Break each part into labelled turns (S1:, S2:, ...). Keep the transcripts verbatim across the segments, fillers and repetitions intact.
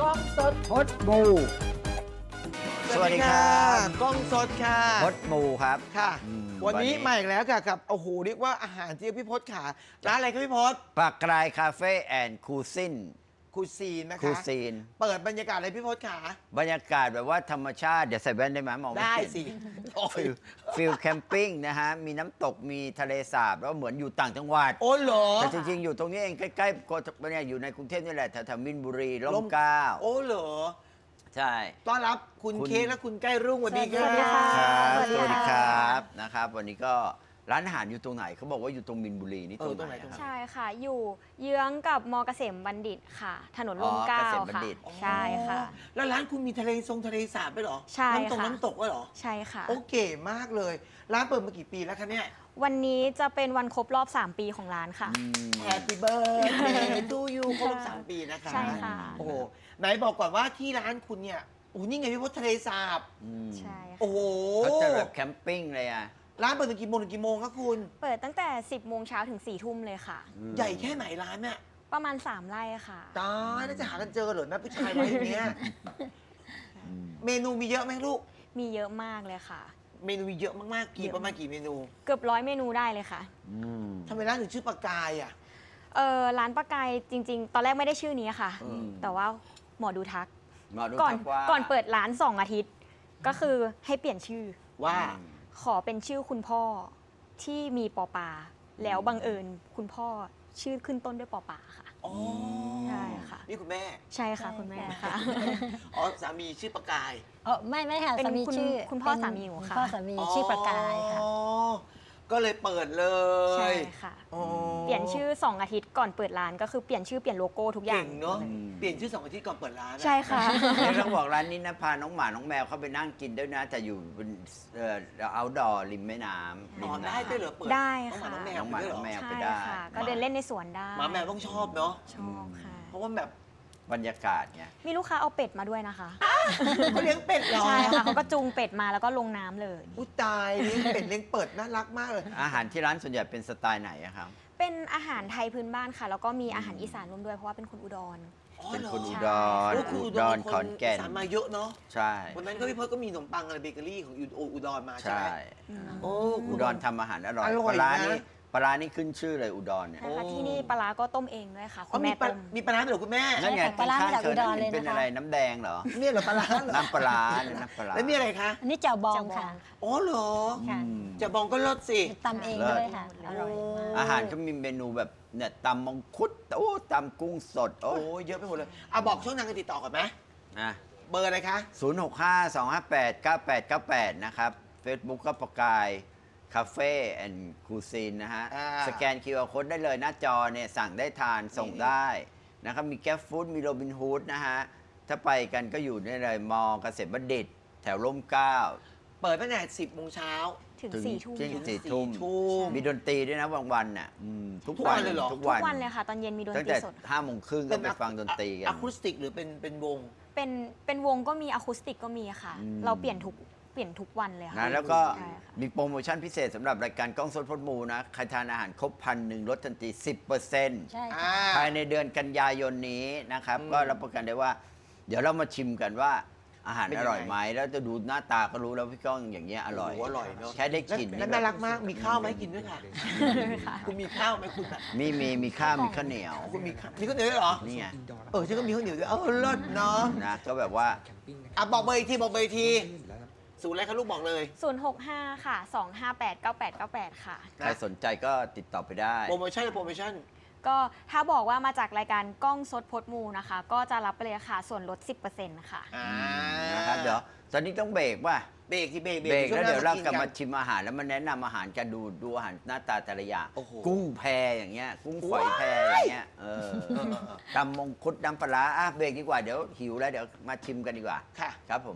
S1: กล้องสด
S2: พดมู
S1: สวัสดีครับกล้องสดค่ะ
S2: พดมูครับ
S1: ค่ะ
S2: อืม
S1: วันนี้
S2: วันนี้
S1: มาอีกแล้วค่ะกับโอ้โหเรียกว่าอาหารที่พี่พศขาร้านอะไรครับพี่พศ
S2: ปากกรายคาเฟ่แอนด์คูซิน
S1: คูซีนนะ
S2: คู
S1: คะ
S2: ซีน
S1: เปิดบรรยากาศอะไรพี่พศขา
S2: บรรยากาศแบบว่าธรรมชาติ เดี๋ยวใส่แว่นได้ไหมมองไม่
S1: ได้
S2: เห็น
S1: สิโอ้ย
S2: ฟิลฟิลแคมปิ้งนะฮะ มีน้ำตกมีทะเลสาบแล้วเหมือนอยู่ต่างจังหวัด
S1: โอ้เหรอ
S2: แต่จริงๆ อยู่ตรงนี้เองใกล้ๆก็เนี่ยอยู่ในกรุงเทพนี่แหละแถวๆมินบุรีร่
S1: ร่
S2: ม
S1: ม
S2: เกล้า
S1: โอ้เหรอ
S2: ใช่
S1: ต้อนรับคุณ
S2: คุณ
S1: เค้กและคุณใกล้รุ่งสวัสดีค
S3: ส
S1: รั
S3: วัสดีค่ะ
S1: บ
S2: ครับ
S3: สวัสดี
S2: สวัสดีค
S3: ค่ะ
S2: รับนะครับ วันนี้ก็ร้านอาหารอยู่ตรงไหนเขาบอกว่าอยู่ตรงมินบุรีนี่
S1: เอ
S2: ตร
S1: อง ตรง
S2: ไห
S1: ไห
S2: น
S1: นตรงไหน
S2: ครับ
S3: ใช่ค่ะ อยู่เยื้องกับมเกษมบัณฑิตค่ะ ถนนร่มเกล้า
S2: อ๋อเกษมบัณ
S3: ค่ะ
S2: ฑิต
S3: ใช่ค่ะ
S1: แล้วร้านคุณมีทะเลทรงทะเลสาบด้วยเหรอ
S3: ใช่
S1: น้ำตก
S3: ค่ะ
S1: น้ำตกด้วยเหรอ
S3: ใช่ค่ะ
S1: โอเคมากเลย ร้านเปิดมากี่ปีแล้วคะเนี่ย
S3: วันนี้จะเป็นวันครบรอบ สาม ปีของร้านค่ะ
S2: อืม
S1: Happy birthday to you ครบรอบสามปีนะคะ
S3: ใช่ค่ะ
S1: โอ้โหไหนบอกก่อนว่าที่ร้านคุณเนี่ยโอ้โหนี่ไงพี่พศทะเลสาบ
S2: อืม
S3: ใช่ค่ะ
S1: โอ้โห
S2: เขาจะแบบแคมปิ้งเลยอ่ะ
S1: ร้านเปิดถึงกี่โมงถึงกี่โมงครับคุณ
S3: เปิดตั้งแต่ สิบโมงเช้าถึง สี่ ทุ่มเลยค่ะ
S1: ใหญ่แค่ไหนร้านเนี่ย
S3: ประมาณ สาม ไร่ค่ะ
S1: ตายแล้วจะหากันเจอเหรอนะผู้ชายร้านอย่างเนี้ยเมนูมีเยอะไหมลูก
S3: มีเยอะมากเลยค่ะ
S1: เมนูมีเยอะมากๆกี่
S3: เยอะ
S1: ประมาณกี่เมนู
S3: เกือบร้อยเมนูได้เลยค่ะ
S2: อืม
S1: ทำไมร้านถึงชื่อปากกายอ่ะ
S3: เออร้านปลากายจริง ๆ ตอนแรกไม่ได้ชื่อนี้ค่ะ
S1: อืม
S3: แต่ว่าหมอดูทัก
S2: หมอดู
S3: ก่อน
S2: ทักว่า
S3: ก่อนเปิดร้านสองอาทิตย์ ก็คือให้เปลี่ยนชื่อ
S1: ว่า
S3: ขอเป็นชื่อคุณพ่อที่มีปอปา แล้วบังเอิญคุณพ่อชื่อขึ้นต้นด้วยปอปาค่ะ
S1: อ๋อ
S3: ใช่ค่ะ
S1: นี่คุณแม่
S3: ใช่ค่ะคุณแม่ค่ะ
S1: อ๋อสามีชื่อปากกาย
S4: อ๋อไม่ไม่ค่ะ
S3: เป็น
S4: สามี
S3: คุณ
S4: ชื่อ
S3: คุณพ่อ
S4: เป็น
S3: สามีหนูค่ะ
S4: ณพ่อสามีชื่อประกายค่ะ
S1: อ๋อก็เลยเปิดเลย
S3: ใช่ค่ะ
S1: อ๋อ
S3: เปลี่ยนชื่อสองอาทิตย์ก่อนเปิดร้านก็คือเปลี่ยนชื่อเปลี่ยนโลโก้ทุกอย่า
S1: เก่
S3: ง
S1: งเนาะเปลี่ยนชื่อสองอาทิตย์ก่อนเปิดร้านอะ
S3: ใช่ค่ะ
S2: เนี่ยต้องบอกร้านนี้นะพาน้องหมาน้องแมวเข้าไปนั่งกินด้วยนะ แต่อยู่บนเอ่อเอาดอริมแม่น้ำริ
S1: อ๋อ
S2: ม
S1: ได้
S2: น้ำ
S1: ด้วยเหรอเปิด
S3: ได้
S1: น้องหมา
S3: ค่ะ
S1: น้องแมว
S2: น้องหมา
S1: ไปด้วยเหรอ
S2: น้องแมว
S3: ใช่
S2: ไปได้
S3: ค่ะ ก็เดินเล่นในสวนได้
S1: หมาแมวต้องชอบเนาะ
S3: ชอบค่ะ
S1: เพราะว่าแบบ
S2: บรรยากาศไง
S3: มีลูกค้าเอาเป็ดมาด้วยนะคะ
S1: เขาเลี้ยงเป็ดเหรอ
S3: ใช่ค่ะเขาก็จูงเป็ดมาแล้วก็ลงน้ำเลย
S1: อุ้ยตายเลี้ยงเป็ดเลี้ยงเปิดน่ารักมากเลย
S2: อาหารที่ร้านส่วนใหญ่เป็นสไตล์ไหนอะครับ
S3: เป็นอาหารไทยพื้นบ้านค่ะ แล้วก็มีอาหารอีสานร่วมด้วยเพราะว่าเป็นคนอุดร
S1: อ๋อ
S2: เป็น
S1: เหรอ
S2: คนอุ
S3: ใช่
S2: ดร
S1: โอ้คือ
S2: อุ
S1: อุ
S2: ด
S1: ด
S2: ร
S1: ร
S2: ขอนแก่น
S1: สารมาเยอะเนาะ
S2: ใช่
S1: วันนั้นก็พี่พศก็มีขนมปังอะไรเบเกอรี่ของอุอุดรมาใช่
S2: ใช่
S1: ไหมโอ้
S2: อุดรทำอาหารอร่อย
S1: อร่อย
S2: ปลาร้า
S1: นะ
S2: นี่ปลาร้านี่ขึ้นชื่อเลยอุดรเนี่ย
S3: ใช่ค่ะที่นี่ปลาร้าก็ต้มเองด้วยค่ะ
S1: อ๋
S3: คุ
S1: อ
S3: ณ
S1: มี
S3: แม่
S1: ปลา
S3: ต้ม
S1: มีปลาร้าด้วยเหรอคุณแม่
S2: นั่นไง
S4: ปลาร้า
S2: ข้าง
S4: มาจาก
S2: ๆเธอ
S4: อุดร
S2: นั่น
S4: เลย
S2: เป็น
S4: นะคะ
S2: อะไรน้ำแดงเหรอ
S1: เนี่ยเหรอปลาร้าเหรอ
S2: น้ำปลาร้าเนี่ยน้ำปลาร้า
S1: แล้วมีอะไรคะ
S4: อันนี้แจ่วบอง
S3: เจ้าบอง
S4: ค่ะ
S3: ค่ะ
S1: อ๋อเหรอ
S4: ค่ะ
S2: อืม
S1: จะบองก็รสสิ
S4: ตำเองด้วยค่ะ อร่อยมาก
S2: อาหารก็มีเมนูแบบเนี่ยตำมังคุดโอ้ตำกุ้งสดโอ้
S1: โอ้ยเยอะไปหมดเลยอ่ะบอกช่องทางการติดต่อก่อนไหม
S2: นะ
S1: เบอร์อะไรคะ
S2: ศูนย์หกห้าสองห้าแปดเก้าแปดเก้าแปดนะครับ Facebook ก็ประกายคาเฟ่แอนด์คูซีนนะฮะ
S1: อ่า
S2: สแกน คิว อาร์ Code ได้เลยหน้าจอเนี่ยสั่งได้ทานส่งได้นะครับ มีแก๊ปฟู้ดมีโรบินฮูดนะฮะ ถ้าไปกันก็อยู่ได้เลยมอเกษตรบัณฑิต แถวร่มเกล้า
S1: เปิดตั้งแต่สิบโมงเช้า
S3: ถึง
S2: ถึง
S3: สี่ทุ่ม
S2: เที่ยง
S3: ค่ะ
S2: สี่ทุ่ม
S1: ทุ่ม
S2: มีดนตรีด้วยนะบางวันน่ะอืมทุก
S1: ทุก
S2: วั
S1: วัน นเลยเหรอ
S2: ทุก
S3: ทุ
S2: วัน
S3: กวันเลยค่ะ ตอนเย็นมีดน
S2: ตั้ง
S3: ตรี
S2: แต่
S3: สด
S2: ห้าโมงครึ่งก็ไปฟังดนตรีกัน
S1: อะคูสติกหรือเป็นเป็นวง
S3: เป็นเป็นวงก็มีอะคูสติกก็มีค่ะ
S2: อืม
S3: เราเปลี่ยนทุกเปลี่ยนทุกวันเลยค่ะ
S2: นะแล้วก็
S3: ใช่ค่ะ
S2: มีโปรโมชั่นพิเศษสำหรับรายการกล้องสดพดมูนะ ใครทานอาหารครบพันหนึ่งลดทันที สิบเปอร์เซ็นต์
S4: ใช่
S1: อ่า
S4: ค่ะ
S2: ภายในเดือนกันยายนนี้นะครับ
S1: อืม
S2: ก็รับประกันได้ว่า เดี๋ยวเรามาชิมกันว่าอาหาร
S1: เป็น
S2: อ
S1: ยังไง
S2: ร่อยไหม แล้วจะดูหน้าตาก็รู้แล้วพี่ก้องอย่างเงี้ยอร่อย
S1: โอ้โหอร่อยเนอะ
S2: แค่ได้กลิ่น
S1: และ
S2: นี่
S1: น่า
S2: แบบ
S1: รักมาก มีข้าวไหมกินด้วยค่ะ
S3: ค่ะ
S1: คุณมีข้าวไหมคุณอะ
S2: มีมีมีข้าวมีข้าวเหนียว
S1: คุณมีข้าวมีข้าวเหนียวด้วยเหรอ
S2: นี่ไง
S1: เออฉันก็มีข้าวเหนียวด้วยเออเลิศเนาะ
S2: นะก็แบบว่า
S1: อ่ะบอกเบอร์อีกทีบอกเบอร์อีกทีศูนย์อะไรคะลูกบอกเลย
S3: ศูนย์หกห้าค่ะสองห้าแปดเก้าแปดเก้าแปดค่ะ
S2: ใครสนใจก็ติดต่อไปได้
S1: โปรโมชั่นโปรโมชั่น
S3: ก็ถ้าบอกว่ามาจากรายการกล้องสดพดมูนะคะ ก็จะรับไปเลยค่ะ ส่วนลด สิบเปอร์เซ็นต์ ค่ะ
S1: อ่า
S2: นะครับเดี๋ยวตอนนี้ต้องเบรกว่ะ
S1: เบรกที่เบรก
S2: เบรกแล้วเดี๋ยวเรากลับมา
S1: ชิ
S2: ชิมอาหารแล้วมาแนะนำอาหารกันดูดูอาหารหน้าตาแต่ละอย่าง
S1: โอ้โห
S2: กุ้งแพอย่างเงี้ย กุ้งฝอยแพอย่างเงี้ยเออ
S1: เออเออเออ
S2: ตำมงคุดน้ำปลาร้าอ่ะเบรกดีกว่าเดี๋ยวหิวแล้วเดี๋ยวมาชิมกันดีกว่า
S1: ค่ะ
S2: ครับผม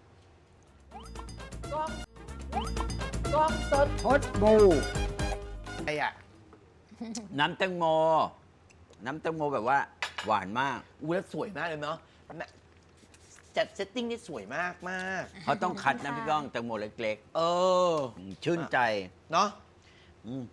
S1: กล้องกล้องสด
S2: พดบู
S1: ไอ้อะ
S2: น้ำแตงโม น้ำแตงโมแบบว่าหวานมาก
S1: อู้แล้วสวยมากเลยเนาะจัดเซตติ้งนี่สวยมากมาก
S2: เขาต้องคัดนะพี่ก้องแตงโมเล็ก
S1: เออ
S2: ๆอืมชื่นใจ
S1: เนาะ
S2: อืม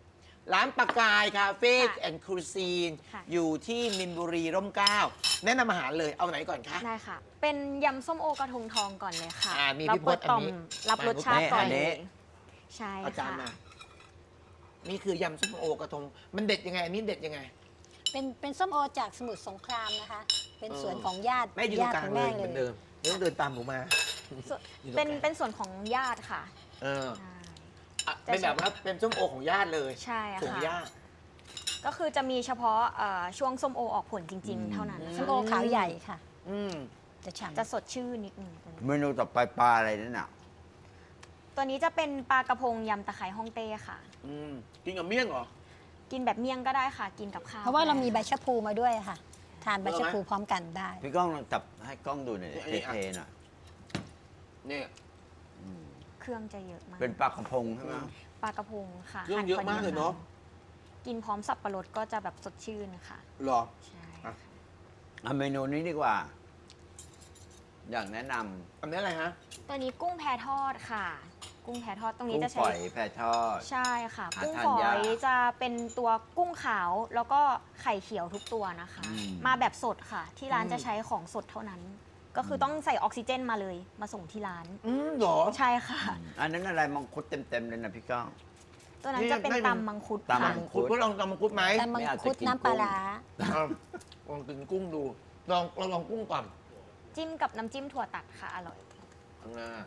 S1: ร้านปากกายคาเฟ่
S3: ค่ะ
S1: แอนด์ครูซีน
S3: ค่ะ
S1: อยู่ที่มินบุรีร่มเกล้าแนะนำอาหารเลยเอาไหนก่อนคะ
S3: ได้ค่ะ เป็นยำส้มโอกระทงทองก่อนเลยค่ะ
S1: อ่ามี
S3: เรา
S1: พี่พ
S3: เปิ
S1: จ
S3: ด
S1: น์
S3: ต่อม
S1: อันนี้
S3: รับรสชาติก่อน
S2: อันนี้
S3: เลยใช่
S1: อาจารย์
S3: ค่ะ
S1: มา นี่คือยำส้มโอกระทง มันเด็ดยังไงอันนี้เด็ดยังไง
S4: เป็นเป็นส้มโอจากสมุทรสงครามนะคะ เป็น
S1: เออ
S4: สวนของญาติ
S1: แม่อยู่ตร
S4: ญาง ติ
S1: กลาง
S4: ของ
S1: เล
S4: แม่
S1: ยเห
S4: เล
S1: มือนเดิ
S4: ย
S1: มไม่ต้องเดินตามหนูมา
S3: ส่วน
S1: อยู่ตรง
S3: เป็น
S1: กลาง
S3: เป็นส่วนของญาติค่ะ
S1: เออ
S3: ใช่
S1: อ่ะเป็นแบบว่าเป็นส้มโอของญาติเลย
S3: ใช่
S1: ของ
S3: ค่ะ
S1: ญาติ
S3: ก็คือจะมีเฉพาะเอ่อช่วงส้มโอออกผลจริง ๆ เท่านั้น
S1: อื
S4: ส้ม
S3: ค่ะ
S4: โอขาวใหญ่ค่ะ
S1: อืม
S4: จะฉ่ำ
S3: จะสดชื่นนิดนึงตัวนี้
S2: เมนูต่อไปปลาอะไรนั่นน่ะ
S3: ตัวนี้จะเป็นปลากระพงยำตะไคร้ฮ่องเต้ค่ะ
S1: อืมกินกับเมี่ยงเหรอ
S3: กินแบบเมี่ยงก็ได้ค่ะ กินกับข้าว
S4: เพราะว่าเรามีใบ
S3: ก็ได้
S4: ชะพูมาด้วยค่ะ ทานใบชะพูพร้อมกันได้
S2: พี่ก้องลองจับให้กล้องดูหน่อย
S1: อันนี้
S2: เท
S1: อ่ะ
S2: ๆหน่อย
S1: เนี่ย
S2: อืม
S3: เครื่องจะเยอะมาก
S2: เป็นปลากระพงใช่ไหม
S3: ปลากระพงค่ะ
S1: เครื่องเยอะมากเลยเนาะ
S3: กินพร้อมสับปะรดก็จะแบบสดชื่นค่ะ
S1: หรอ
S3: ใช่
S1: อ่ะ
S2: เอาเมนูนี้ดีกว่า อยากแนะนำ
S1: อันนี้อะไรฮะ
S3: ตัวนี้กุ้งแพทอดค่ะ กุ้งแพทอดตรงนี้
S2: กุ้ง
S3: จะ
S2: ฝ
S3: ใช้
S2: อยแพรทอด
S3: ใช่ค่ะ
S2: หา
S3: กุ้ง
S2: ทาน
S3: ฝอย
S2: าก
S3: ยจะเป็นตัวกุ้งขาวแล้วก็ไข่เขียวทุกตัวนะคะ
S2: อืม
S3: มาแบบสดค่ะ ที่ร้าน
S1: อืม
S3: จะใช้ของสดเท่านั้น ก็คือต้องใส่ออกซิเจนมาเลยมาส่งที่ร้าน
S1: อืมเหรอ
S3: ใช่ค่ะ
S2: อันนั้นอะไรมังคุดเต็มๆเลยนะพี่ก้อง
S3: ตัวนั้น
S1: นี่
S3: จะเป็น
S1: ได้เป็น
S3: ตำมังคุด
S2: ตำมั
S3: ค่ะ
S2: ง
S1: คุณก็ลองตำมังคุดไหม
S4: แต่มัง
S2: ไม่เอาจะ
S4: คุด
S2: กิน
S4: น้ำปลา
S2: กุ้ง
S4: ร้า
S1: เอาลองกินกุ้งดู ลองเราลองกุ้งก่อน
S3: จิ้มกับน้ำจิ้มถั่วตัดค่ะ อร่อย
S1: ข้างหน้า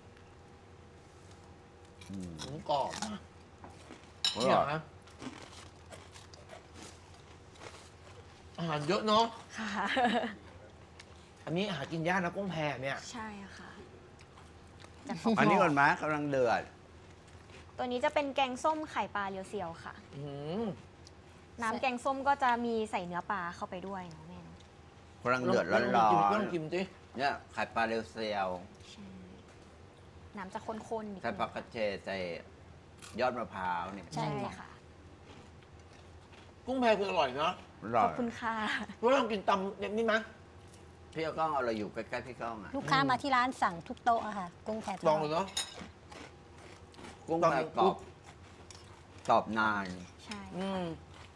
S2: อืม
S1: หมูกรอบ
S2: อ
S1: เนี่ย
S2: ร่อย
S1: นะอาหารเยอะเนาะ
S3: ค่ะ
S1: อันนี้หากินยากนะกุ้งแพเนี่ย
S3: ใช่ค่ะ
S2: อันนี้ก่อนไหมกำลังเดือด
S3: ตัวนี้จะเป็นแกงส้มไข่ปลาเรียวเซียวค่ะ
S1: อืม
S3: น้ำแกงส้มก็จะมีใส่เนื้อปลาเข้าไปด้วยเนาะแม่เนอะ
S2: กำลังเดือดร้
S1: ล
S2: อ
S1: องกิ
S2: น
S1: ลองกินสิ
S2: ๆเนี่ยไข่ปลาเรียวเซียว
S3: ใช่น้ำจะข้นๆนิด
S2: ใส่
S3: นึง
S2: ผักกระเฉดใส่ยอดมะพร้าวเนี่ย
S4: ใช่
S3: ใช่
S4: ค่ะ
S3: ค่ะ
S1: กุ้งแพคืออร่อยเนาะ
S2: อร่
S3: ข
S2: อ
S3: อย บคุณค่ะ
S1: เพราะลองกินตำแบบนี้นะ
S2: พี่ก้องเอาอะไรอยู่ใกล้ๆพี่ก้องอ่ะ
S4: ลูกค้ามาที่ร้านสั่งทุกโต๊ะอะค่ะ กุ้งแพท
S1: ล
S4: อ
S1: อง
S4: ด
S1: เลยเนาะ
S2: กุ้ง
S1: ตอน
S2: แพ
S1: นี้
S2: กรอบกรอบนาน
S3: ใช่
S1: อืม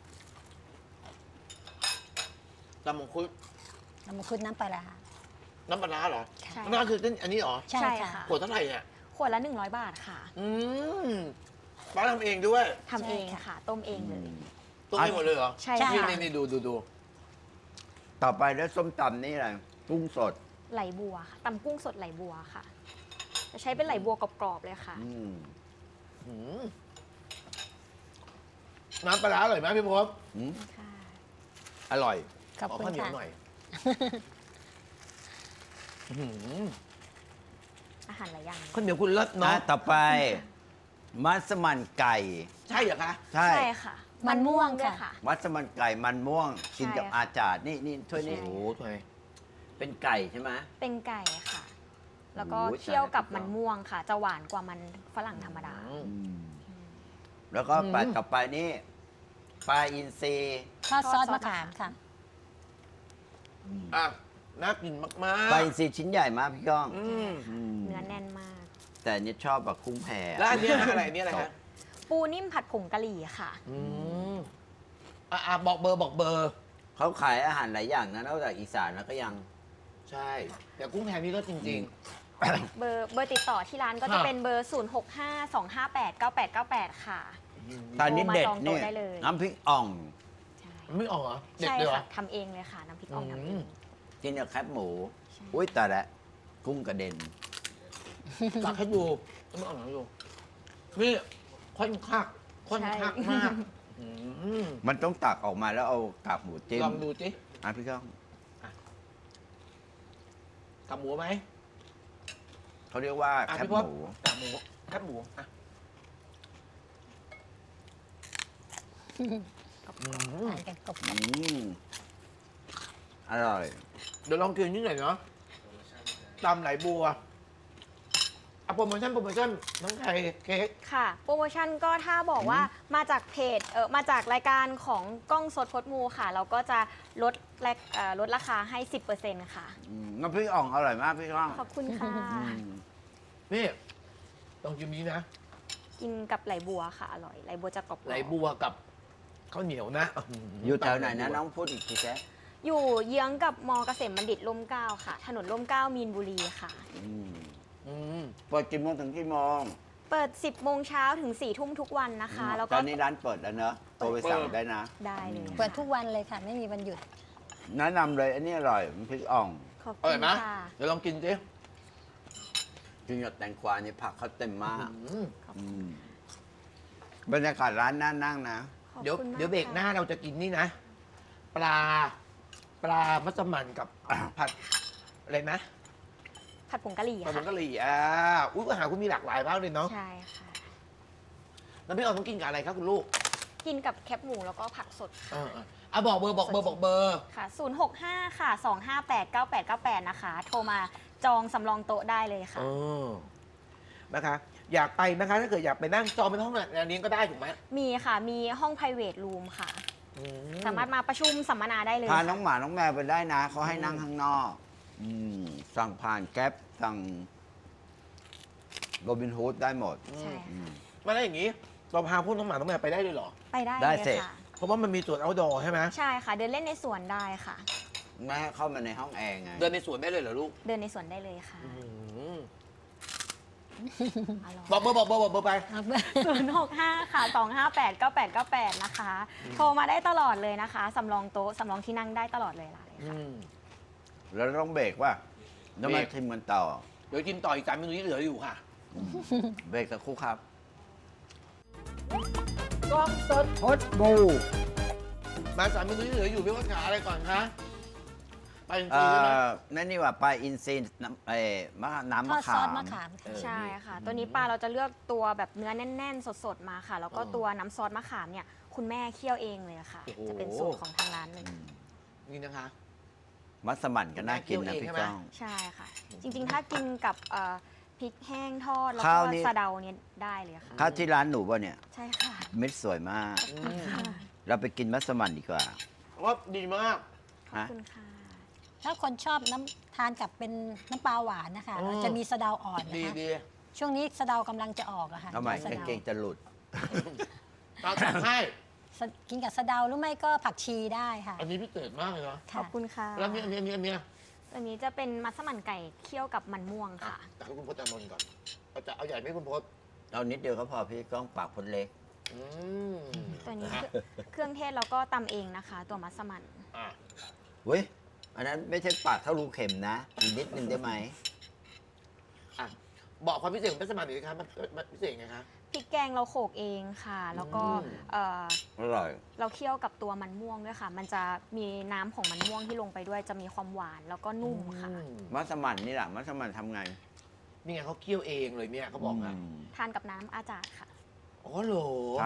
S1: ตำมังคุด
S4: น้ำมังคุดน้ำปลาร้า
S1: น้ำปลาร้าเหรอ
S3: ใช่
S1: น้ำปลาร้าคือเส้นอันนี้เหรอ
S4: ใช่
S3: ใช่
S4: ค่ะ
S3: ค่ะ
S1: ขวดเท่าไหร่เนี่ย
S3: ขวดละหนึ่งร้อยบาทค่ะ
S1: อืมป้าทำเองด้วย
S3: ทำเองค่ะ ต้มเองเลย
S1: ต้มเองหมดเลยเหรอ
S3: ใช่
S4: ใช่
S1: นี่
S3: ค่ะ
S1: นี่นี่ดูดูดู
S2: ต่อไปแล้วส้มตำนี่อะไรกุ้งสด
S3: ไหลบัวค่ะตำกุ้งสดไหลบัวค่ะ จะใช้เป็นไหลบัวกรอบๆเลยค่ะ
S2: อืม
S1: อืมน้ำปลาร้าอร่อยไหมพี่พศ
S2: อืม
S3: ค่ะ
S2: อร่อย
S4: ขอบ
S1: ขอ
S4: คุณ
S1: ข้าวเหนียว
S4: ค่ะ
S1: หน่อยอื้อหือ
S3: อาหารหลายอย่าง
S1: ข้าวเหนียวคุณเลิศ
S2: อ่ะ
S1: เนาะ
S2: ต่อไป มัสมั่นไก่
S1: ใช่เหรอคะ
S2: ใช่
S3: ใช่ค่ะ มันม่วงด้วยค่ะ
S2: มัสมั่นไก่มันม่วง กินกับ
S3: ใช่ค่ะ
S2: อาจารย์นี่นี่ถ้วยนี้
S3: ใช่
S1: โอ้โหทำไม
S2: เป็นไก่ใช่ไหม
S3: เป็นไก่ค่ะ แล้วก็
S2: โอ้ย
S3: เคี่ยวกับ
S2: ตายแล้ว
S3: มันม่วงค่ะ จะหวานกว่ามันฝรั่งธรรมดา
S1: อืม
S2: อืมแล้วก็ปลา
S1: อืม
S2: ต่อไปนี่ปลาอินทรี
S4: ทอดซอส
S3: ทอดซอส
S4: มะขามค่ะ
S1: อ่ะน่ากินมาก
S2: ปลาอินทรีชิ้นใหญ่มากพี่ก้อง
S1: ๆอืม
S2: อืม
S3: เนื้อแน่นมาก
S2: แต่อันนี้ชอบแบบกุ้งแพ
S1: แล้วอันเนี้ยอะไรอันเนี้ยอะไรฮะ
S3: ปูนิ่มผัดผงกะหรี่ค่ะ
S1: อืมอ่ะอ่ะบอกเบอร์บอกเบอร์
S2: เขาขายอาหารหลายอย่างนะนอกจากอีสานแล้วก็ยัง
S1: ใช่ แต่กุ้งแพนี่ก็จริง
S3: เบอร์เบอร์ติดต่อที่ร้านก็
S1: ครั
S3: จะ
S1: บ
S3: เป็นเบอร์ ศูนย์ หก ห้า สอง ห้า แปด เก้า แปด เก้า แปด ค่ะ
S1: ๆ
S2: ตอนนี้เด็ด
S3: โทรมาจองโต๊ะ
S2: เนี่ย
S3: ได้เลย
S2: น้ำพริกอ่อง
S3: ใช่
S1: ไม่ออกเหรอ เด็ด
S3: ใช่
S1: เลยเหรอ
S3: ค่ะทำเองเลยค่ะ น้ำพริกอ่องทำเอ
S1: อื
S3: ง
S1: ม
S2: กินกับแคบหมู
S3: ใช่
S2: อุ้ยแต่ละกุ้งกระเด็น
S1: ตักให้ดูไม่ออกให้ดูนี่ค่อนข้างค่อนข้างมากอืม
S2: มันต้องตักออกมาแล้วเอากากหมูจิ้ม
S1: ลองดูสิ
S2: อ่ะพี่ก้อง
S1: กับหมูไหม
S2: เขาเรียกว่า
S1: อ่ะ
S2: แคบ
S1: พี่พ
S2: ห
S1: ศ
S2: มู
S1: กับหมูแคบหมูอ่ะอืม
S4: ทานกันกบ
S2: อืมอร่อย
S1: เดี๋ยวลองกินนิดหน่อยเนาะตำไหลบัวอ่ะโปรโมชั่นโปรโมชั่นน้องไข่เค้ก
S3: ค่ะ โปรโมชั่นก็ถ้าบอกว่ามาจากเพจเออมาจากรายการของกล้องสดพดมูค่ะ เราก็จะลดแลกเอ่อลดราคาให้ สิบเปอร์เซ็นต์ ค่ะ
S2: อืมน้ำพริกอ่องอร่อยมากพี่ก้อง
S3: ขอบคุณค่ะ
S2: อืม
S1: นี่ลองกินนี้นะ
S3: กินกับไหลบัวค่ะ อร่อย ไหลบัวจะกรอบๆ
S1: ไหลบัวกับข้าวเหนียวนะ
S2: อยู่แถวไหนนะน้องพูดอีกทีแจ๊
S3: อยู่เยื้องกับมอเกษมบัณฑิตร่มเกล้าค่ะ ถนนร่มเกล้ามีนบุรีค่ะ
S2: อืม
S1: อืม
S2: เปิดกี่โมงถึงกี่โมง
S3: เปิด สิบโมงเช้าถึง สี่ทุ่มทุกวันนะคะ แล้ว
S2: ต
S3: ก็
S2: อนนี้ร้านเปิดแล้วเนอะโทรไปสั่งได้นะ
S3: ได้เลยค่ะ
S4: เปิดทุกวันเลยค่ะ ไม่มีวันหยุด
S2: แนะนำเลยอันนี้อร่อยมันพริกอ่อง
S3: ขอบ
S1: อ
S3: คุ
S1: ร่อย
S3: ณ
S1: ไหม
S3: ค่ะ
S1: เดี๋ยวลองกินสิ
S2: กินกับแตงกวานี่ผักเขาเต็มมาก
S1: อืม
S2: อืมบรรยากาศร้านน่านั่งนะ
S3: ขอบ
S1: เดี๋ยว
S3: คุณมาก
S1: เดี๋ยวเบรกหน้า
S3: ค่ะ
S1: เราจะกินนี่นะ ปลา ปลามัสมั่นกับ ผัดอะไรนะ
S3: ผัดผงกะหรี่
S1: ผัดผ
S3: ค่ะ
S1: งกะหรี่อ่าอุ้ยอาหารคุณมีหลากหลายมากเลยเนาะ
S3: ใช่ค่ะ
S1: แล้วพี่ออนต้องกินกับอะไรครับคุณลูก
S3: กินกับแคบหมูแล้วก็ผักสด
S1: เอ
S3: ค่ะ
S1: อเอออ่ะบอกเบอร์บอกเบอร์บอกเบอร์
S3: ค่ะ ศูนย์ หก ห้า ค่ะ สอง ห้า แปด เก้า แปด เก้า แปด นะคะ โทรมาจองสำรองโต๊ะได้เลยค่ะ
S1: เออนะคะ อยากไปนะคะ ถ้าเกิดอยากไปนั่งจองเป็นห้องงานเลี้ยงก็ได้ถูกไหม
S3: มีค่ะ มีห้อง private room ค่ะ
S1: อื
S3: สามารถมาประชุมสัมมนาได้เลย
S2: พา
S3: ค่ะ
S2: น้องหมาน้องแมวไปได้นะเขาให้นั่งข้างนอก อืมสั่งผ่านแก๊ปสั่งโรบินฮูดได้หมด
S3: ใช่
S2: อื
S3: ค่ะ
S2: ม
S1: มาได้อย่างนี้ เราพาพวกน้องหมาน้องแมวไปได้เลยเหรอ
S3: ไปได้
S2: ได้
S3: เลย
S2: สิ
S3: ค่ะ
S1: เพราะว่ามันมีสวน outdoor ใช่ไหม
S3: ใช่ค่ะ เดินเล่นในสวนได้ค่ะ
S2: ไม่ให้เข้ามาในห้องแอร์ไง
S1: เดินในสวนได้เลยเหรอลูก
S3: เดินในสวนได้เลยค่ะ
S1: อืม
S3: อร่อย
S1: บอกเบอร์บอกเบอร์บอกเบอร์ไป
S3: ศูนย์ หก ห้า ค่ะ สอง ห้า แปด เก้า แปด เก้า แปด นะคะ โทรมาได้ตลอดเลยนะคะสำรองโต๊ะสำรองที่นั่งได้ตลอดเวลาเลย
S1: อื
S3: ค่ะ
S1: ม
S2: แล้วต้องเบรกว่าแล้วมา
S1: เบรก
S2: ชิมกันต่อ
S1: เดี๋ยวกินต่ออีกสามเมนูที่เหลืออยู่ค่ะ
S2: เบรกสักครู่ครับ
S1: กล้องสด
S2: พดบู
S1: มาสามเมนูที่เหลืออยู่พี่ว่าขาอะไรก่อนคะไปจริง
S2: เอ่
S1: ๆใช่ไหม
S2: อนั่นนี่ว่าปลาอินทรีน้ำเอ่อมะน้ำมะ
S4: ทอดซ
S2: ขา
S4: อส
S2: ม
S4: มะขาม
S2: เออ
S3: ใช่ค่ะ ตัวนี้ปลาเราจะเลือกตัวแบบเนื้อแน่น ๆ สด ๆ มาค่ะ แล้วก็ตัวน้ำซอสมะขามเนี่ย คุณแม่เคี่ยวเองเลยค่ะ จะเป็นสูตรของทางร้านเลย
S2: อืม
S1: นี่นะคะ
S2: มัสมั่นก็น่ากินนะ
S1: เคี่
S2: พี่
S1: ยวเองใช่ไหม
S2: ก้อง
S3: ใช่ค่ะ จริง ๆ ถ้ากินกับเอ่อพริกแห้งทอด แล้ว
S2: ข้า
S3: ก็
S2: วนี่
S3: สะเดาเนี่ยได้เลยค่ะ
S2: ข้าวที่ร้านหนูป่ะเนี่ย
S3: ใช่ค่ะ
S2: เม็ดสวยมาก
S1: อืม
S3: ค่ะ
S2: เราไปกินมัสมั่นดีกว่า
S1: ว่าดีมาก
S3: ขอบ
S2: ฮะ
S3: คุณค่ะ
S4: ถ้าคนชอบน้ำทานกับเป็นน้ำปลาหวานนะคะ
S1: อ๋อ
S4: เราจะมีสะเดาอ่อนนะ
S1: ดี
S4: คะ
S1: ดี
S4: ช่วงนี้สะเดากำลังจะออกอะค่ะ
S2: ทำไม
S4: สะ
S2: กาง
S4: เดา
S2: เกงจะหลุด
S1: เราจัดให้
S4: สะกินกับสะเดาหรือไม่ก็ผักชีได้ค่ะ
S1: อันนี้พิเศษมากเลยเนาะ
S3: ขอบคุณค่ะ
S1: แล้วอันนี้อันนี้อันนี้อันนี้
S3: อันนี้จะเป็นมัสมั่นไก่เคี่ยวกับมันม่วง
S1: อ่ะ
S3: ค่ะ
S1: แต่ให้คุณพจน์อานนท์ก่อนเอาจะเอาใหญ่ไหมคุณพจน์
S2: เอานิดเดียวก็พอพี่ก้องปากพดเล็ก
S1: อืม
S3: ตัวนี้
S1: ะฮะ
S3: เครื่องเทศเราก็ตำเองนะคะ ตัวมัสมั่น
S1: อ่ะ
S2: เว้ย อันนั้นไม่ใช่ปากเท่ารูเข็มนะอีกนิดนึงได้ไหม
S1: อ่ะบอกความพิเศษของเป็สมันหน่อยสิครับมันมันพิเศษไงคะ
S3: พริกแกงเราโขลกเองค่ะ แล้วก็
S1: อืม
S3: เอ่อ
S2: อร่อย
S3: เราเคี่ยวกับตัวมันม่วงด้วยค่ะ มันจะมีน้ำของมันม่วงที่ลงไปด้วย จะมีความหวานแล้วก็นุ่มค่ะ
S1: อืม
S2: มัสมั่นนี่แหละมัสมั่นทำไง
S1: นี่ไงเขาเคี่ยวเองเลยเนี่ยเขาบอกนะ
S2: ม
S3: ทานกับน้ำอาจารย์ค่ะ
S1: อ๋อเหรอ
S2: ใช่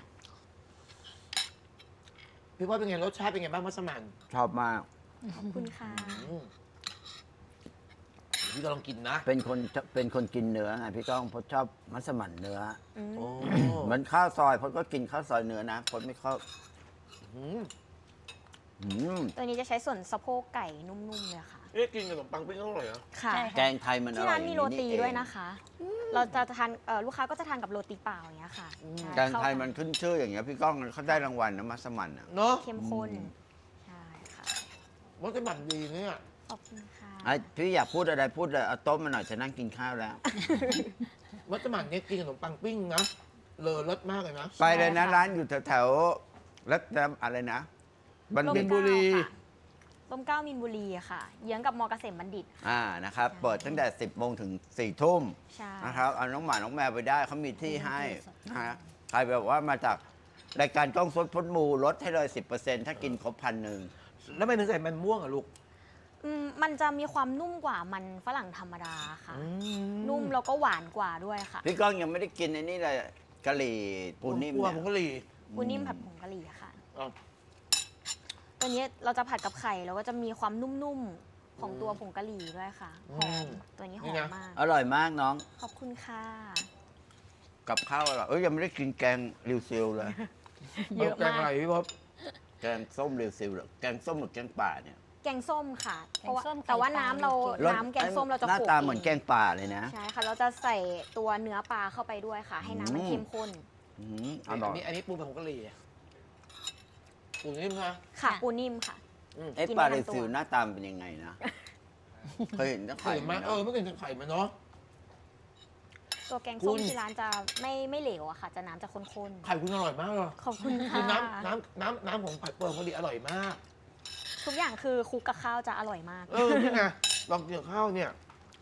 S1: พี่ว่าเป็นไงรสชาติเป็นไงบ้างมัสมั่น
S2: ชอบมาก
S3: ขอบคุณค่ะ
S1: อืมพี่ก็ลองกินนะ
S2: เป็นคนเป็นคนกินเนื้อไงพี่ก้องเพราะชอบมัสมั่นเนื้อ
S3: อืม
S1: โอ้
S2: เหมือนข้าวซอยเพราะก็กินข้าวซอยเนื้อนะคนไม่เข้า
S1: อืม
S2: อืม
S3: ตัวนี้จะใช้ส่วนสะโพกไก่นุ่มๆเลยค่ะ
S1: เอ๊ะกินกับขนมปังปิ้งก็อร่อยเหรอ
S3: ค่ะ
S4: ใช่
S2: แกงไทยมันอ
S3: ที่
S2: ร่อ
S3: ร้าย นมีโรตี
S2: อาง
S3: ด้วยนะคะ เราจะทานเอ่อลูกค้าก็จะทานกับโรตีเปล่าอย่างเงี้ยค่ะ
S1: อืม
S3: ใช่
S2: แกงไทยมันขึ้นชื่ออย่างเงี้ยพี่ก้องเขาได้รางวัลนะมัสมั่นอ่ะ
S1: เนาะ
S3: เข้มข้น
S2: อืม
S3: ใช่ค่ะ
S1: มัสมั่นดีเนี่ย
S3: ขอบคุณค่ะ
S2: ไอ้พี่อยากพูดอะไรพูดเลยเอาโต๊ะมาหน่อยจะนั่งกินข้าวแล้ว
S1: มัสมั่นเนี่ยกินกับขนมปังปิ้งนะเลอรสมากเลยนะ
S2: ไปเลยนะ
S3: ใช่ค่ะ
S2: ร้านอยู่แถวๆรัตนอะไรนะบัณ
S3: ร่ม
S2: ฑิต
S3: เกล้า
S1: บุรี
S3: ค่ะร่มเกล้ามินบุรีค่ะ เยื้องกับมอเกษมบัณฑิต
S2: อ่านะครับ เปิดตั้งแต่ สิบโมงถึงสี่ทุ่ม
S3: ใช่
S2: นะครับเอาน้องหมาน้องแมวไปได้เขามีที่ให้นะฮะใครแบบว่ามาจากรายการกล้องสดพดมูลดให้เลย สิบเปอร์เซ็นต์ถ้ากินครบพันหนึ่ง
S1: แล้วทำไมถึงใส่มันม่วงอ่ะลูก
S3: อืมมันจะมีความนุ่มกว่ามันฝรั่งธรรมดาค่ะ
S1: อื
S3: นุ่มแล้วก็หวานกว่าด้วยค่ะ
S2: พี่ก้องยังไม่ได้กินไอ้นี่เลยกะหรี่ปูนิ่ม
S1: กลัว
S2: เนี่ย
S1: ผงกะหรี่
S3: ปูนิ่มผัดผงกะหรี่ค่ะ
S1: อ่ะ
S3: ตัวนี้เราจะผัดกับไข่แล้วก็จะมีความนุ่มๆของตัวผงกะหรี่ด้วยค่ะหอมตัวนี้หอมมาก
S2: อร่อยมากน้อง
S3: ขอบคุณค่ะ
S2: กับข้าวอร่อยเอ้ยยังไม่ได้กินแกงริวซิลเลย
S3: เยอะมาก
S1: แกงอะไรพี่พบ
S2: แกงส้มริวซิลเหรอแกงส้มหรือแกงป่าเนี่ย
S3: แกงส้มค่ะ
S4: แกงส้ม
S3: เพราะว่า
S4: ไข่
S3: แต่ว่าน้ำเรา
S4: ปลา
S3: น้ำแกงส้มเราจะ
S2: หน้า
S3: โขลก
S2: ตาเหมือนแกงป่าเลยนะ
S3: ใช่ค่ะ เราจะใส่ตัวเนื้อปลาเข้าไปด้วยค่ะ ให้น้ำมัน
S2: อืม
S3: เข้มข้น
S2: อืมอ
S1: อัน
S2: ร่อย
S1: นี้อันนี้ปูผงกะหรี่ปูนิ่มนะ
S3: ค่ะ
S4: ค่ะ
S3: ปูนิ่มค่ะ
S1: อืม
S2: เอ๊ะ
S3: กิน
S2: ปลา
S3: ได้
S2: เร
S3: ทั้งตัว
S2: ซิลหน้าตาเป็นยังไงนะ เคยเห็นแต่
S1: ไข่
S2: ไข่
S1: ไหม
S2: มัน
S1: เออไม่เคยเห็นไข่มันเนาะ
S3: ตัวแกง
S1: คุ
S3: ส้ม
S1: ณ
S3: ที่ร้านจะไม่ไม่เหลวอะค่ะ จะน้ำจะข้น
S1: ไข่คุณอร่อยมากเลย
S3: ๆ ขอบคุณ
S1: คื
S3: ค่ะ
S1: อน้ำน้ำน้ำน้ำของไข่เปิลเขาดีอร่อยมาก
S3: ทุกอย่างคือคลุกกับข้าวจะอร่อยมาก
S1: เออนี่ไงลองกินกับข้าวเนี่ย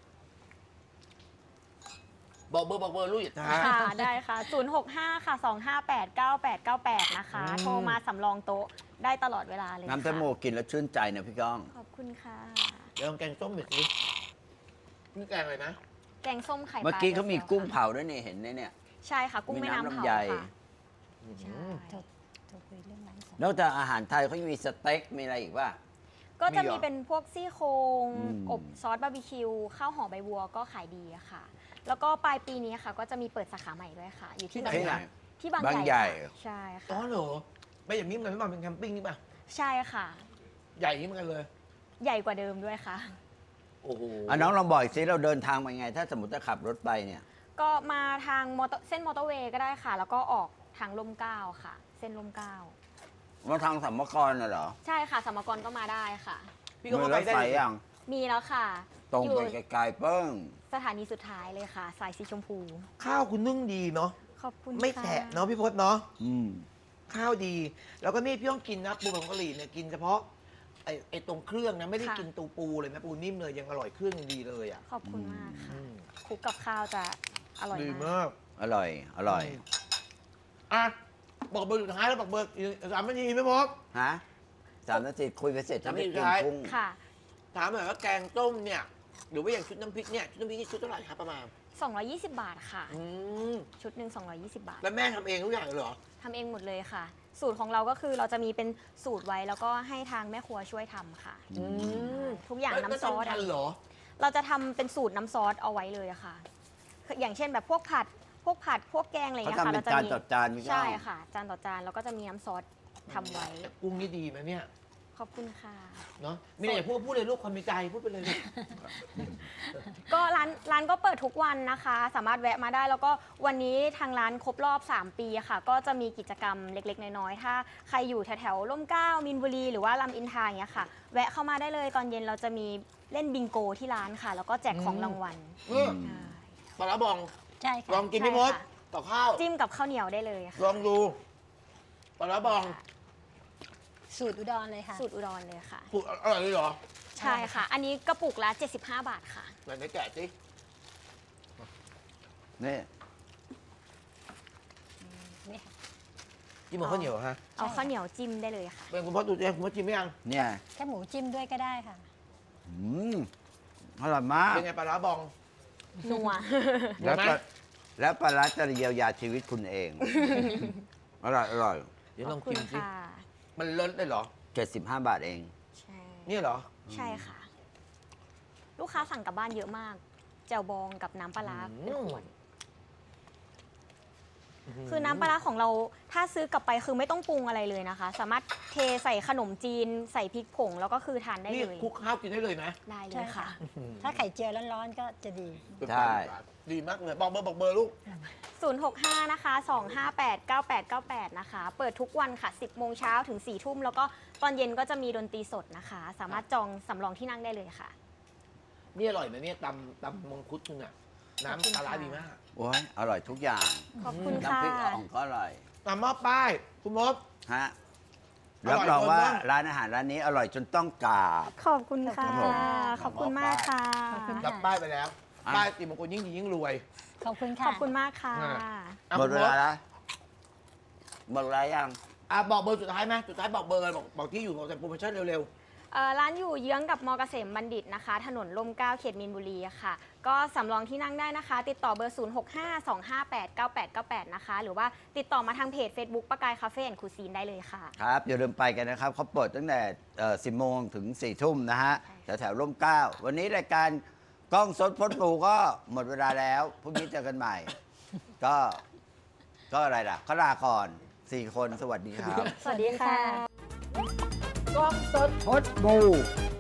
S1: บอกเบอร์บอกเบอร์ลูกอย่าช้า
S3: ค่ะ ได้ค่ะ ศูนย์ หก ห้า ค่ะ สอง ห้า แปด เก้า แปด เก้า แปด นะคะ
S1: อืม
S3: โทรมาสำรองโต๊ะได้ตลอดเวลาเลย
S2: น้ำแตงโม
S3: ค่ะ
S2: กินแล้วชื่นใจนะพี่ก้อง
S3: ขอบคุณค่ะ
S1: เดี๋ยวลองแกงส้มหน่อยสินี่แกงอะไรนะ
S3: แกงส้มไข่ปลา
S2: เมื่อกี้เขามี
S3: แซล
S2: กุ้ง
S3: ค่ะ
S2: เผาด้วยนี่เห็นไหมเนี่ย
S3: ใช่ค่ะ กุ้งแม่น้ำ
S2: มีน้ำ
S3: เผา
S2: ลำไย
S3: ค่ะ ใช่
S4: โทรโทรคุยเรื่องร้านสอง
S2: นอกจากอาหารไทยเขายังมีสเต็กมีอะไรอีกป่ะ
S3: ก็จะ
S1: มีเหร
S3: มี
S1: อ
S3: เป็นพวกซี่โครง
S2: อืม
S3: อบซอสบาร์บีคิว ข้าวหอมใบบัวก็ขายดีอะค่ะ แล้วก็ปลายปีนี้ค่ะ ก็จะมีเปิดสาขาใหม่ด้วยค่ะ อยู่ที่
S1: ที่ไหน
S3: บางใหญ่
S1: อะ
S3: ที่บาง
S2: บาง
S3: ให
S2: ใหญ่
S3: ญ่ค่ะใช่
S1: อ๋อ
S3: ค่ะ
S1: เหรอไม่อย่างนี้มันไม่มาเป็นแคมปิ้งนี่ป่ะ
S3: ใช่ค่ะ
S1: ใหญ่อย่างนี้เหมือนกันเลย
S3: ใหญ่กว่าเดิมด้วยค่ะ
S1: โอ้โห
S2: อ่ะน้องลองบอกอีกสิเราเดินทางมาไง ถ้าสมมติจะขับรถไปเนี่ย
S3: ก็มาทางมอเตอร์เส้นมอเตอร์เวย์ก็ได้ค่ะ แล้วก็ออกทางลมเกล้าค่ะ เส้นลมเกล้า
S2: มาทางสัมมกรน่ะเหรอ
S3: ใช่ค่ะสมกรก็มาได้ค่ะ
S1: พี่ก็
S2: มี
S1: เข้าร ไป
S2: ถ
S1: ได้
S2: ไฟ
S1: เลย
S2: ยัง
S3: มีแล้วค่ะ
S2: ตรง
S3: อยู่
S2: ไปไกลๆเปิ้ง
S3: สถานีสุดท้ายเลยค่ะ สายสีชมพู
S1: ข้าวคุณนึ่งดีเนาะ
S3: ขอบคุณ
S1: ไม่
S3: ค่
S1: แฉะเนาะพี่พศเนาะ
S2: อืม
S1: ข้าวดี แล้วก็นี่พี่ต้องกินนะปูผงกะหรี่เนี่ยกินเฉพาะไอ้ไอ้ตรงเครื่องนะไม่ได้กินตูปูเลยนะปูนิ่มเลยยังอร่อยเครื่องยังดีเลยอ่ะ
S3: ขอบคุณมากค่ะ
S1: อืม
S3: คลุกกับข้าวจะอร่อย
S1: ดี
S3: มาก
S1: มาก
S2: อร่อย อร่อย
S1: อ่ะบอกเบอร์สุดท้ายแล้วบอกเบอร์อีกสามนาทีไม่พอ
S2: ฮะสามนาทีคุยไปเสร็จจะไม่
S1: สามนาที
S2: กิน
S1: ท้าย
S2: กุ้ง
S3: ค่ะ
S1: ถามหน่อยว่าแกงต้มเนี่ยหรือว่าอย่างชุดน้ำพริกเนี่ยชุดน้ำพริกนี่ชุดเท่าไหร่ครับประมาณ
S3: สองร้อยยี่สิบบาทค่ะ
S1: อืม
S3: ชุดหนึ่งสองร้อยยี่สิบบาท
S1: แล้วแม่ทำเองทุกอย่างเลยเหรอ
S3: ทำเองหมดเลยค่ะ สูตรของเราก็คือเราจะมีเป็นสูตรไว้แล้วก็ให้ทางแม่ครัวช่วยทำค่ะ
S1: อืม
S3: ทุกอย่างน้ำซอส
S1: แล้วทำทันเหรอ
S3: เราจะทำเป็นสูตรน้ำซอสเอาไว้เลยอะค่ะคืออย่างเช่นแบบพวกผัด พวกผัด พวกแกงอะไรอย่าง
S2: เขา
S3: เงี้ย
S2: ทำ
S3: ค่ะ
S2: เป็น
S3: เราจะ
S2: จาน
S3: มี
S2: ต่อจานพี่ก้
S3: ใช่
S2: อง
S3: ค่ะ จานต่อจานแล้วก็จะมีน้ำซอสทำไว้
S1: กุ้งนี่ดีไหมเนี่ย
S3: ขอบคุณค่ะ
S1: เนาะมีอะไรอยากพูดพูดเลยลูกความในใจพูดไปเลยลูก
S3: ก็ร้านร้านก็เปิดทุกวันนะคะ สามารถแวะมาได้แล้วก็วันนี้ทางร้านครบรอบ สาม ปีอะค่ะ ก็จะมีกิจกรรมเล็กๆ น้อยๆ ถ้าใครอยู่แถวๆร่มเกล้ามินบุรีหรือว่าลำอินทราอย่างเงี้ยค่ะ แวะเข้ามาได้เลยตอนเย็นเราจะมีเล่นบิงโกที่ร้านค่ะ แล้วก็แจกของรางวัล
S1: เออ
S3: ใช่
S1: ปลาร้าบอง
S4: ใช่
S1: ล
S4: ค่ะ
S1: องกินพี่มด
S3: ใช่ค่ะ
S1: ต่อข้าว
S3: จิ้มกับข้าวเหนียวได้เลยค่ะ
S1: ลองดูปลาร้าบอง
S4: สูตรอุดรเลยค่ะ
S3: สูตรอุดรเลยค่ะ
S1: ถูกอร่อยเลยเหรอ
S3: ใช่ค่ะ อันนี้กระปุกละเจ็ดสิบห้าบาทค่ะ
S1: ไหนไหนแกะสิ
S2: นี่
S4: นี่ค่ะ
S1: จิ้มกับข้าวเหนียวฮะ
S3: เอาข้าวเหนียวจิ้มได้เลยค่ะ
S1: เป็นคุณพ่อดูใจคุณพ่อจิ้มไม่ยัง
S2: เนี่ย
S4: แค่หมูจิ้มด้วยก็ได้ค่ะ
S2: อืมอร่อยมาก
S1: เป็นไงปลาร้าบอง
S3: นัว
S2: แล้ว
S1: เห็นไหม
S2: ปลาแล้วปลาร้าจะเยียวยาชีวิตคุณเอง อร่อย อร่อย
S1: เดี๋ยว
S3: ข
S1: ล
S3: อ
S1: อบ ง
S3: คุ
S1: กิ
S3: ณ
S1: นสิ
S3: ค่ะ
S1: มันเลิศได้เหรอ
S2: เจ็ดสิบห้าบาทเอง
S3: ใช่
S1: เนี่ยเหรอ
S3: ใช่ค่ะ ลูกค้าสั่งกลับบ้านเยอะมาก แจ่วบองกับน้ำปลาร้าเป็นขวด คือน้ำปลาร้าของเราถ้าซื้อกลับไปคือไม่ต้องปรุงอะไรเลยนะคะ สามารถเทใส่ขนมจีน ใส่พริกผงแล้วก็คือทานได้
S1: นี่
S3: เลย
S1: คลุกข้าวกินได้เลยนะ
S3: ได้เล
S4: ใช่
S3: ย
S4: ค่ะ
S3: ค่ะ
S4: ถ้าไข่เจียวร้อนๆก็จะดี
S2: ใช่
S1: ดีมากเลย บอกเบอร์บอกเบอร์ลูก
S3: ศูนย์ หก ห้า นะคะ สอง ห้า แปด เก้า แปด เก้า แปด นะคะ เปิดทุกวันค่ะ สิบโมงเช้าถึง สี่ ทุ่ม แล้วก็ตอนเย็นก็จะมีดนตรีสดนะคะ สามารถจองสำรองที่นั่งได้เลยค่ะ
S1: นี่อร่อยนะเนี่ยตำตำมังคุดคุณอะน้ำปลาร้าดีมาก
S2: โอ้ยอร่อยทุกอย่าง
S3: ขอบคุณค่ะ
S2: น้ำพริกอ่องก็อร่อย
S1: ตำหม้อป้าย คุณมด
S2: ฮะ
S1: อร่
S2: รั
S1: อบ ย
S2: รองว่า
S1: จนว่า
S2: ร้านอาหารร้านนี้อร่อยจนต้องกราบ
S3: ขอบคุณค่ะ
S2: ครับผม
S3: ขอบคุณมากค่ะ
S4: ขอบคุณ
S1: รับป้ายไปแล้ว
S2: อ่ะ
S1: ป้ายติมงคลยิ่งดียิ่งรวย
S4: ขอบคุณ
S3: ข
S4: ค่ะ
S3: อบคุณมากค่ะ
S1: อ่ะ อ่ะ
S2: หมด
S1: คุณ
S2: เว
S1: ม
S2: ลา
S1: ด
S2: แล้วหมดเวลายัง
S1: อ่ะบอกเบอร์สุดท้ายไหมสุดท้ายบอกเบอร์เลยบอกบอกที่อยู่บอกแต่โปรโมชั่นเร็ว
S3: เอ่อร้านอยู่เยื้องกับมอเกษมบัณฑิตนะคะ ถนนลมเกล้าเขตมีนบุรีค่ะ ก็สำรองที่นั่งได้นะคะ ติดต่อเบอร์ ศูนย์ หก ห้า สอง ห้า แปด เก้า แปด เก้า แปด นะคะ หรือว่าติดต่อมาทางเพจ Facebook ปะกายคาเฟ่แอนด์คูซีนได้เลยค่ะ
S2: ครับ อย่าลืมไปกันนะครับ เขาเปิดตั้งแต่สิบโมงถึงสี่ทุ่มนะฮะ แถวแถวๆร่มเกล้า วันนี้รายการกล้องสดพดปูก็หมดเวลาแล้วพรุ่งนี้เจอกันใหม่ ก็ ก็อะไรล่ะก็ลาก่อนสี่คนสวัสดีครับ
S3: สวัสดีค่ะ
S1: ๆกล้องสด
S2: พดปู